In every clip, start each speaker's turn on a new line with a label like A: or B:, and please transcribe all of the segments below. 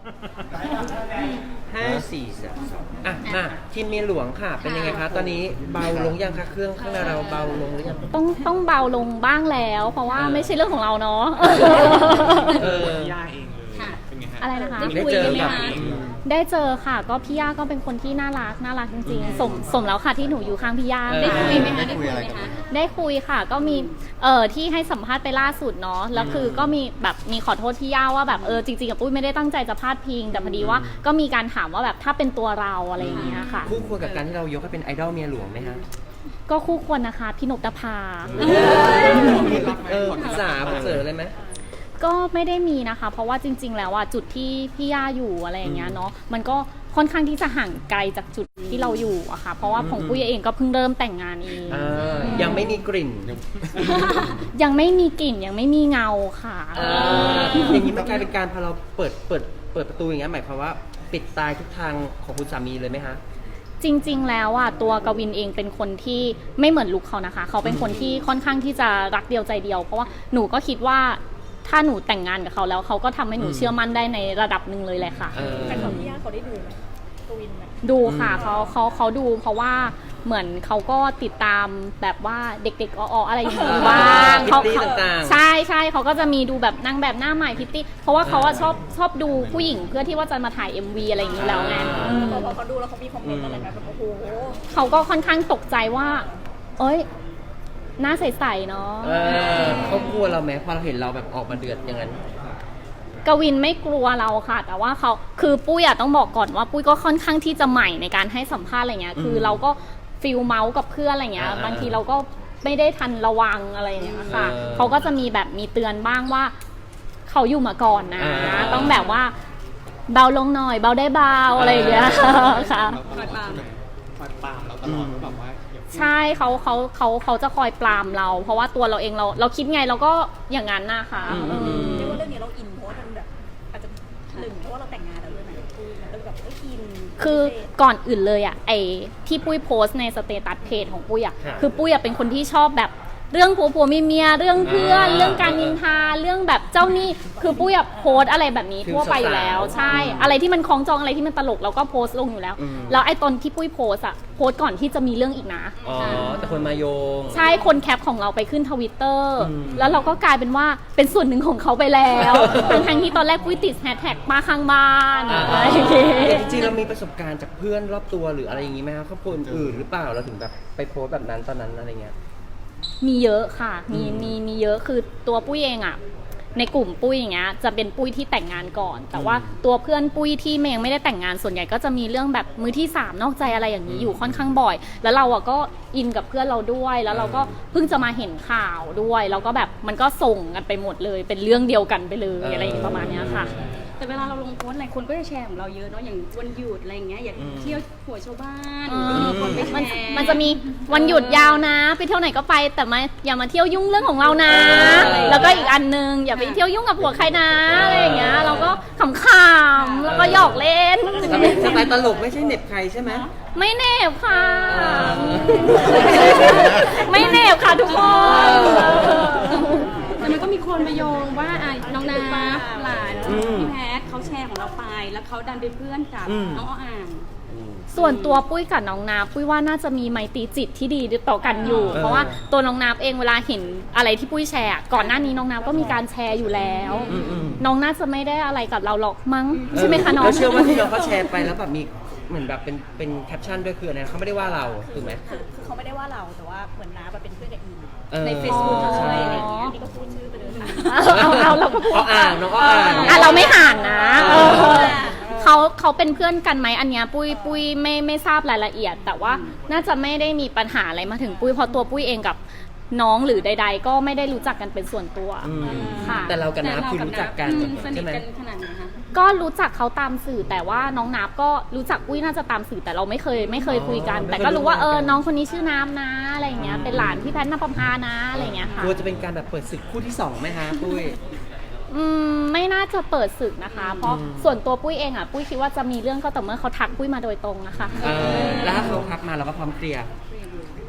A: 5 4 3 2อ่ะมาทีมเมียหลวงค่ะเป็นยังไงคะตอนนี้เบาลงยังคะเครื่องข้างในเราเบาลงหรือยัง
B: ต้องเบาลงบ้างแล้วเพราะว่าไม่ใช่เรื่องของเราเนาะ
C: ย่าเองเลยเป็นไงฮะ
B: อะไรนะคะ
A: ได้เจอกับ
B: ได้เจอค่ะก็พี่ย่าก็เป็นคนที่น่ารักจริงๆสมแล้วค่ะที่หนูอยู่ข้างพี่ย่าได้คุยไหมคะได้คุยค่ะก็มีที่ให้สัมภาษณ์ไปล่าสุดเนาะแล้วคือก็มีขอโทษพี่ย่าว่าแบบจริงๆกับปุ้ยไม่ได้ตั้งใจจะพาดพิงแต่พอดีว่าก็มีการถามว่าแบบถ้าเป็นตัวเราอะไรอย่างเงี้ยค่ะ
A: คู่ควรกับการที่เรายกให้เป็นไอดอลเมียหลวงไหมคะ
B: ก็คู่ควรนะคะพี่นกตภา
A: ปรึกษาเสริมเลยไหม
B: ก็ไม่ได้มีนะคะเพราะว่าจริงๆแล้วอ่ะจุดที่พี่ย่าอยู่อะไรอย่างเงี้ยเนาะมันก็ค่อนข้างที่จะห่างไกลจากจุดที่เราอยู่อะค่ะเพราะว่าของปุ้ยเองก็เพิ่งเริ่มแต่งงานเอง
A: ยังไม่มีกลิ่น
B: ยังไม่มีกลิ่นยังไม่มีเงาค่ะ
A: อย่างนี้มันกลายเป็นการพอเราเปิดประตูอย่างเงี้ยหมายความว่าปิดตายทุกทางของคุณสามีเลยไหมคะ
B: จริงๆแล้วอ่ะตัวกวินเองเป็นคนที่ไม่เหมือนลุคเขานะคะเขาเป็นคนที่ค่อนข้างที่จะรักเดียวใจเดียวเพราะว่าหนูก็คิดว่าถ้าหนูแต่งงานกับเขาแล้วเขาก็ทำให้หนูเชื่อมั่นได้ในระดับหนึ่งเลยแหละค่ะ
D: แต่ของพี่ย่าเขาได้ดูไหมกวิน
B: ดูค่ะเขาดูเพราะว่าเหมือนเขาก็ติดตามแบบว่าเด็กๆอะไรอย่างนี้บ้าง
A: เขา
B: ใช่เขาก็จะมีดูแบบนางแบบหน้าใหม่พิตตี้เพราะว่าเขาชอบดูผู้หญิงเพื่อที่ว่าจะมาถ่าย MV อะไรอย่างนี้แล้วไง
D: พอเขาดูแล้วเขามีคอมเมนต์อะไรแบบโอ้โห
B: เขาก็ค่อนข้างตกใจว่าเอ้ยหน้าใสๆเนาะ
A: เขากลัวเราไหมพอเราเห็นเราแบบออกมาเดือดอย่างนั้น
B: กวินไม่กลัวเราค่ะแต่ว่าเขาคือปุ้ยต้องบอกก่อนว่าปุ้ยก็ค่อนข้างที่จะใหม่ในการให้สัมภาษณ์อะไรเงี้ยคือเราก็ฟิลเมาส์กับเพื่อนอะไรเงี้ยบางทีเราก็ไม่ได้ทันระวังอะไรเงี้ยค่ะเขาก็จะมีแบบมีเตือนบ้างว่าเขาอยู่มาก่อนนะต้องแบบว่าเบาลงหน่อยเบาได้เบาอะไรอย่างเงี้ยค่ะ
C: คอยปรามเราตลอดแบบว่า
B: ใช่เขาจะคอยปรามเราเพราะว่าตัวเราเองเราคิดไงเราก็อย่างนั้นนะคะ
D: เรียกว่าเรื่องนี้เราอินเพราะว่ามันแบบอาจจะหนึ่งเพราะว่าเราแต่งงานแล้วด้วยไหมมันก็แบบอิน
B: คือก่อนอื่นเลยไอ้ที่ปุ้ยโพสในสเตตัสเพจของปุ้ยคือปุ้ยเป็นคนที่ชอบแบบเรื่องผัวเมียเรื่องเพื่อนเรื่องการนินทาเรื่องแบบเจ้าหนี้คือปุ้ยโพสอะไรแบบนี้ทั่วไปอยู่แล้วใช่อะไรที่มันคล้องจองอะไรที่มันตลกเราก็โพสลงอยู่แล้วแล้วไอ้ตอนที่ปุ้ยโพสก่อนที่จะมีเรื่องอีกนะ
A: แต่คนมาโยง
B: ใช่คนแคปของเราไปขึ้นTwitterแล้วเราก็กลายเป็นว่าเป็นส่วนหนึ่งของเขาไปแล้วทั้งที่ตอนแรกปุ้ยติดแฮชแท็กป้าข้างบ้าน
A: จริงๆเรามีประสบการณ์จากเพื่อนรอบตัวหรืออะไรอย่างงี้ไหมครับครอบครัวอื่นหรือเปล่าเราถึงแบบไปโพสแบบนั้นตอนนั้นอะไรเงี้ย
B: มีเยอะค่ะมีเยอะคือตัวปุ้ยเองในกลุ่มปุ้ยอย่างเงี้ยจะเป็นปุ้ยที่แต่งงานก่อนแต่ว่าตัวเพื่อนปุ้ยที่ยังไม่ได้แต่งงานส่วนใหญ่ก็จะมีเรื่องแบบมือที่3นอกใจอะไรอย่างนี้อยู่ค่อนข้างบ่อยแล้วเราก็อินกับเพื่อนเราด้วยแล้วเราก็เพิ่งจะมาเห็นข่าวด้วยแล้วก็แบบมันก็ส่งกันไปหมดเลยเป็นเรื่องเดียวกันไปเลยอะไรอย่างประมาณนี้ค่ะ
D: แต่เวลาเราลงโพสต์อะไรคนก็จะแชร์ของเราเยอะเนาะอย่างวันหยุดอะไรอย่างเงี้ยอย่างเที่ยวหัวชาวบ้าน
B: มันจะมีวันหยุดยาวนะไปเที่ยวไหนก็ไปแต่อย่ามาเที่ยวยุ่งเรื่องของเรานะแล้วก็อีกอันนึงอย่าไปเที่ยวยุ่งกับผัวใครนะอะไรอย่างเงี้ยเราก็ขำๆแล้วก็หยอกเล่น
A: สไตล์ตลกไม่ใช่เน็บใครใช่ไหม
B: ไม่เน็บค่ะไม่เน็บค่ะทุกคน
D: แต่มันก็มีคนมาโยงว่าน้องนาหลานพี่แพทเขาแชร์ของเราไปแล้วเขาดันเป็นเพื่อนกับน้องอ่าง
B: ส่วนตัวปุ้ยกับน้องนาปุ้ยว่าน่าจะมีไมตรีจิตที่ดีต่อกันอยู่เพราะว่าตัวน้องนาเองเวลาเห็นอะไรที่ปุ้ยแชร์ก่อนหน้านี้น้องนาก็มีการแชร์อยู่แล้วน้องน่าจะไม่ได้อะไรกับเราหรอกมั้งใช่ไหมคะน้อง
A: เราเชื่อว่าที่น้องเขาแชร์ไปแล้วแบบมีเหมือนแบบเป็นแคปชั่นด้วยคืออะไรเขาไม่ได้ว่าเราถูกไหม
D: คือเขาไม่ได้ว่าเราแต่ว่าเหมือนน้าเป็นเพื่อนกับอีใน Facebook อะไรอย่างเงี้ยนี่ก็พูดชื่อไปเลย
B: เอาเราก็พูด
A: น้องก็อ่าน
B: เราไม่ห่านนะเขาเป็นเพื่อนกันไหมอันเนี้ยปุ้ยไม่ทราบรายละเอียดแต่ว่าน่าจะไม่ได้มีปัญหาอะไรมาถึงปุ้ยเพราะตัวปุ้ยเองกับน้องหรือใดๆก็ไม่ได้รู้จักกันเป็นส่วนตัวค่ะ
A: แต่เรากับน้ำคือรู้จักกันใช่ไหม
D: ขนาดไหนคะ
B: ก็รู้จักเขาตามสื่อแต่ว่าน้องนับก็รู้จักปุ้ยน่าจะตามสื่อแต่เราไม่เคยคุยกันแต่ก็รู้ว่าน้องคนนี้ชื่อน้ำนะอะไรเงี้ยเป็นหลานพี่แพทย์นภพานะอะไรเงี้ยค่ะ
A: กลัวจะเป็นการแบบเปิดศึกคู่ที่2ไหมคะปุ้ย
B: ไม่น่าจะเปิดศึกนะคะเพราะส่วนตัวปุ้ยเองปุ้ยคิดว่าจะมีเรื่องก็ต่อเมื่อเขาทักปุ้ยมาโดยตรงนะคะ
A: แล้วถ้าเขาทักมาเราก็พร้อมเคลียร์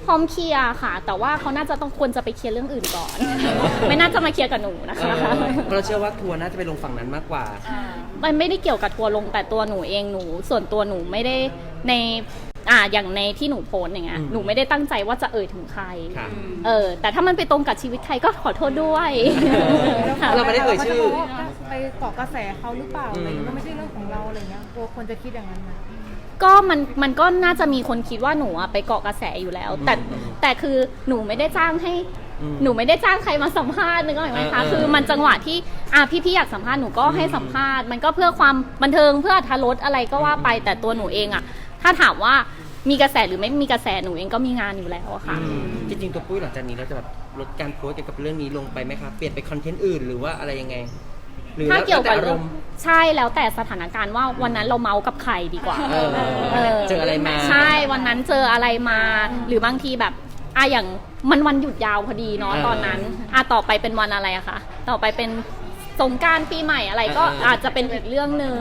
B: พร้อมเคลียร์ค่ะ แต่ว่าเขาน่าจะต้องควรจะไปเคลียร์เรื่องอื่นก่อน ไม่น่าจะมาเคลียร์กับหนูนะคะ
A: เพราะเราเชื่อว่าทัวร์น่าจะไปลงฝั่งนั้นมากกว่า
B: มันไม่ได้เกี่ยวกับทัวร์ลงแต่ตัวหนูเองส่วนตัวหนูไม่ได้ในอย่างในที่หนูโพสต์อย่างเงี้ย
A: อืม
B: หนูไม่ได้ตั้งใจว่าจะเอ่ยถึงใคร
A: ค่ะ
B: แต่ถ้ามันไปตรงกับชีวิตใครก็ขอโทษด้วยค่ะ
A: เราไม่ได้เอ่ยชื่อ
E: ไปเกาะกระแสเขาหรือเปล่าอะไรอย่างเงี้ยมันไม่ใช่เรื่องของเราอะไรเงี้ยกลัวคนจะคิดอย่างนั้นไหม
B: ก็มันก็น่าจะมีคนคิดว่าหนูอะไปเกาะกระแสอยู่แล้ว แต่คือหนูไม่ได้จ้างให้
A: อืม
B: หนูไม่ได้จ้างใครมาสัมภาษณ์นึกออกไหมคะคือมันจังหวะที่พี่อยากสัมภาษณ์หนูก็ให้สัมภาษณ์มันก็เพื่อความบันเทิงเพื่ออรรถรสอะไรก็ว่าไปแต่ตัวหนูเองอะถ้าถามว่ามีกระแสหรือไม่มีกระแสหนูเองก็มีงานอยู่แล้วอะค่ะ
A: จริงๆตัวปุ้ยหลังจากนี้เราจะแบบลดการโพสต์เกี่ยวกับเรื่องนี้ลงไปไหมคะเปลี่ยนไปคอนเทนต์อื่นหรือว่าอะไรยังไง หรือ
B: ถ้าเกี่ยวกับ
A: แล้แต่อา
B: เรื่
A: ร
B: อง
A: มณ์
B: ใช่แล้วแต่สถานการณ์ว่าวันนั้นเราเมากับใครดีกว่า
A: เจออะไรมา
B: ใช่วันนั้นเจออะไรมาหรือบางทีแบบอย่างมันวันหยุดยาวพอดีเนาะตอนนั้นต่อไปเป็นวันอะไรอะคะต่อไปเป็นสงกรานต์ปีใหม่อะไรก็อาจจะเป็นอีกเรื่องหนึ่ง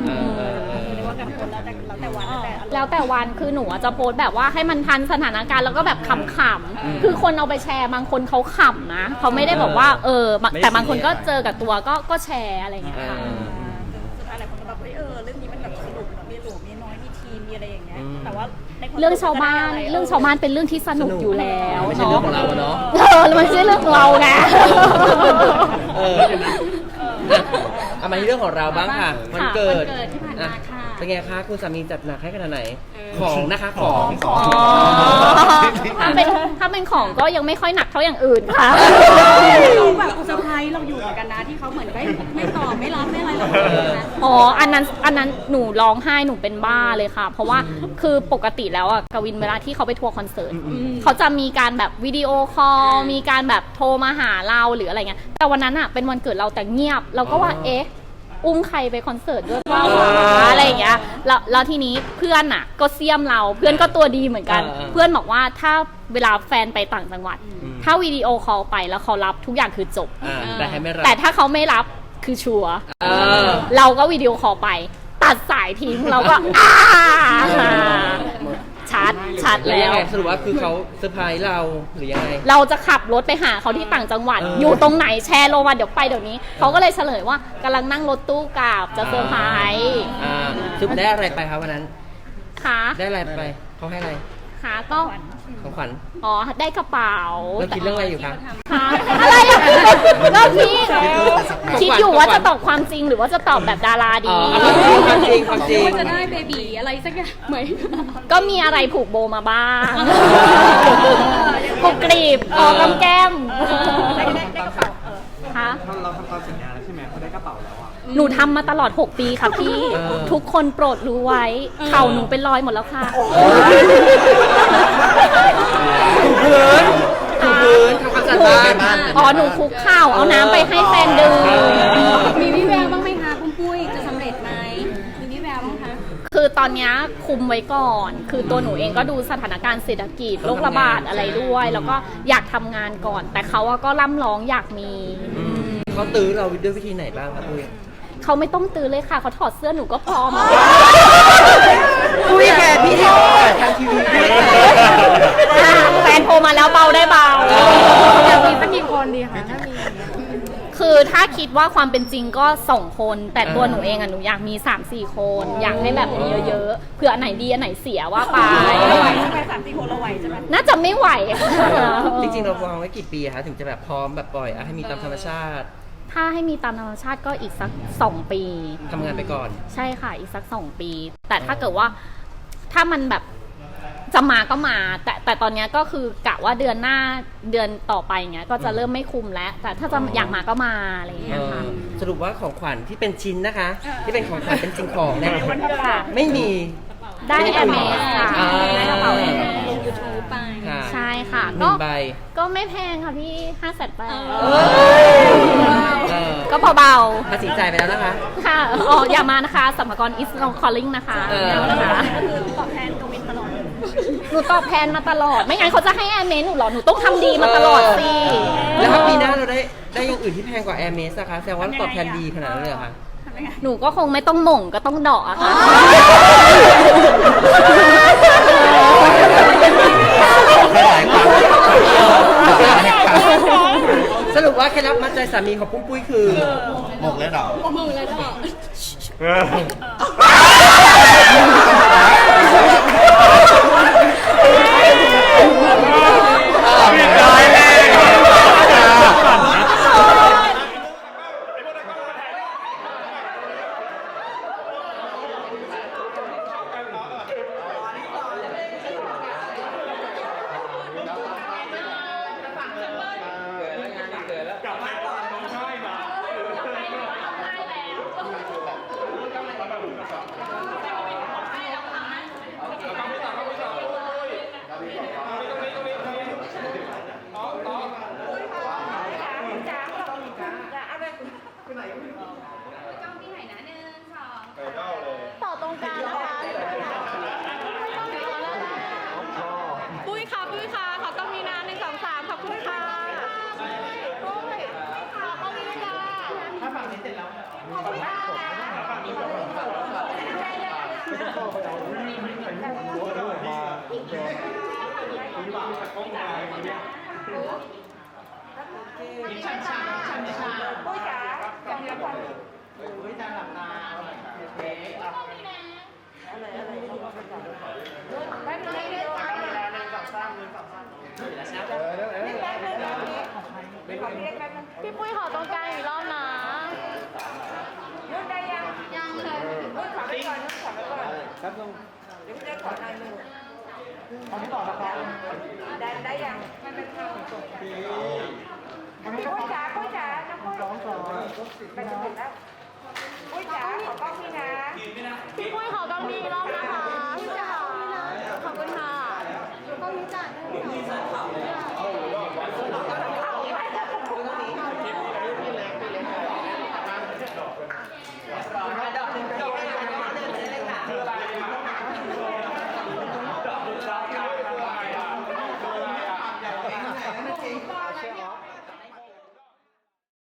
B: แล้วแต่วันคือหนูจะโพสต์แบบว่าให้มันทันสถานการณ์แล้วก็แบบขำๆคือคนเอาไปแชร์บางคนเขาขำนะเขาไม่ได้บอกว่าแต่บางคนก็เจอกับตัวก็แชร์อะไรอย่างเงี้ยค่ะ
F: สุดท้ายหลายคนก็แบบเรื่องนี้มันแบบสนุกแบบมีหลวงมีน้อยมีทีมมีอะไรอย่างเงี้ยแต่ว่าในความ
B: เรื่องชาวบ้านเรื่องชาวบ้านเป็นเรื่องที่สนุกอยู่แล้ว
A: ไม่ใช่เรื่องของเราเนาะ
B: มันไม่ใช่เรื่องของเราไง
A: เอามาที่เรื่องของเราบ้างค่ะวันเกิด
D: วันเกิดที่ผ่านมาค่ะ
A: เป็นไงคะคุณสามีจัดหนักให้ขนาดไหน ของนะคะของ
B: ถ้าเป็นของก็ยังไม่ค่อยหนักเท่าอย่างอื่นค่ะ
D: เขาแบบเซอร์ไพรส์เราอยู่เหมือนกันนะที่เขาเหมือนไม่ตอบไม่รับไม่อะไรเราเลยนะ
B: อันนั้นหนูร้องไห้หนูเป็นบ้าเลยค่ะ เพราะว่าคือปกติแล้วกวินเวลาที่เขาไปทัวร์คอนเสิร์ตเขาจะมีการแบบวิดีโอคอลมีการแบบโทรมาหาเราหรืออะไรเงี้ยแต่วันนั้นเป็นวันเกิดเราแต่เงียบเราก็ว่าอุ้มใครไปคอนเสิร์ตด้วยว่าอะไรอย่างเงี้ยแล้วทีนี้เพื่อนก็เสียมเราเพื่อนก็ตัวดีเหมือนกัน เพื่อนบอกว่าถ้าเวลาแฟนไปต่างจังหวัด ถ้าวิดีโอคอลไปแล้วเขารับทุกอย่างคือจบ
A: แต่ให้ไม่รับ
B: แต่ถ้าเขาไม่รับคือชัวร์เราก็วิดีโอคอลไป ตัดสายทิ้งเราก็ชัด
A: แล้ว
B: แล้
A: ยัง
B: ว
A: ไงสรุปว่าคือเขาเซอร์ไพรส์เราหรือยังไง
B: เราจะขับรถไปหาเขาที่ต่างจังหวัด อยู่ตรงไหนแชร์โลมาเดี๋ยวไปเดี๋ยวนี้เขาก็เลยเฉลยว่ากำลังนั่งรถตู้กลับจะเซอร์ไพรส์
A: สรุปได้อะไรไปคะวันนั้น
B: ค่ะ
A: ได้อะไรไปเขาให้อะไร
B: ค่ะก็
A: ของขวัญ
B: ได้กระเป๋า
A: เราคิดเรื่องอะไรอยู่คะ
B: ค่ะอะไรก็คิดอยู่ว่าจะตอบความจริงหรือว่าจะตอบแบบดาราดี
A: ความจริงความจริง
D: ว่าจะได้เบบีอะไรสักอย่างไหม
B: ก็มีอะไรผูกโบมาบ้างผูกกรีบกำแก้ม
F: ได้กระเป๋า
B: ค่ะ
C: เราทำตามสัญญาแล้วใช่ไหมเขาได้กระเป๋าแล้วอ่ะ
B: หนูทำมาตลอด 6 ปีค่ะพี่ ทุกคนโปรดรู้ไว้ เข่าหนูเป็นรอยหมดแล้วค่ะ
A: ถูพื้นทำความสะอาดบ้าน
B: หนูคุกเข่าเอาน้ำไปให้แฟนดื่ม
D: มีวิแววบ้างไหมคะคุณปุ้ยจะสำเร็จไหมมีวิแววบ้างคะ
B: คือตอนเนี้ยคุมไว้ก่อน คือตัวหนูเองก็ดูสถานการณ์เศรษฐกิจโรคระบาดอะไรด้วย แล้วก็อยากทำงานก่อน แต่เขาก็ร่ำร้องอยากมี
A: เขาตื้อเราด้วยวิธีไหนบ้างครับปุ้ย
B: เขาไม่ต้องตื้อเลยค่ะ เขาถอดเสื้อหนูก็พร้อม
A: ปุ้ยแกพี่ทางทีวี
B: แฟนโทรมาแล้วเบาได้เบา
E: อยากมีสักกี่คนดีคะถ้ามีอย่างเงี้ย
B: คือถ้าคิดว่าความเป็นจริงก็2 คน แต่ตัวหนูเองหนูอยากมี 3-4 คน อยากให้แบบมีเยอะๆเผื่ออันไหนดีอันไหนเสียว่าไป
F: เราไหวใช่ไหม3-4 คนเราไหวใช่ไหม
B: น่าจะไม่ไหวค่ะ
A: จริงๆเราวางไว้กี่ปีคะถึงจะแบบพร้อมแบบปล่อยให้มีตามธรรมชาติ
B: ถ้าให้มีตามธรรมชาติก็อีกสัก2 ปี
A: ทำงานไปก่อน
B: ใช่ค่ะอีกสัก2 ปี แต่ถ้าเกิดว่าถ้ามันแบบจะมาก็มา แต่ตอนเนี้ยก็คือกะว่าเดือนหน้าเดือนต่อไปเงี้ยก็จะเริ่มไม่คุมแล้ว แต่ถ้าจะอยากมาก็มาอะไรอย่างเงี้ยค่ะ
A: สรุปว่าของขวัญที่เป็นชิ้นนะคะ ที่เป็นของขวัญเป็นสิ่งของเนี่ย
B: ค่ะ
A: ไม่มี
B: ได้แอร์เมสค่ะ
A: ได้กระเป๋า
D: ลงยูทูบไป
A: ค่ะ
B: ใช่ค่ะ
A: หนึ่งใบ
B: ก็ไม่แพงค่ะพี่500,000ไป
A: เออ
B: ก็เบา
A: ภาษีจ่ายไปแล้วนะคะ
B: ๆค่ะอย่ามานะคะสัมภากร is not calling นะคะ
A: นะคะ
F: ก็คือตอบแทนกวินตลอด
B: หนูตอบแทนมาตลอด ไม่งั้นเขาจะให้แอร์เมสหนูหรอหนูต้องทำดีมาตลอดสิ
A: แล้วถ้าปีหน้าเราได้อย่างอื่นที่แพงกว่า Air m e s นะคะแสดงว่าตอบแทนดีขนาดนั้นเลยเหรอคะ
B: หนูก็คงไม่ต้องหม่งก็ต้องเดาะอะค่ะ
A: หสรุปว่าเคล็ดลับมัดใจสามีของปุ้มปุ้ยคือ
G: หมกเลยเหรอ
D: มึงเลยเหรอ
B: ต่อตรงกลางนะคะ
D: ปุ้ยค่ะปุ้ยค่ะขอต้องมีนา1 2 3ขอบคุณค่ะ
B: พี่ปุ้ยขอตรงกลางอีกรอบนะ พี่ปุ้ยขอกล้องนี้อีกรอบนะคะพี่ปุ้ยขอขอบคุณค่ะ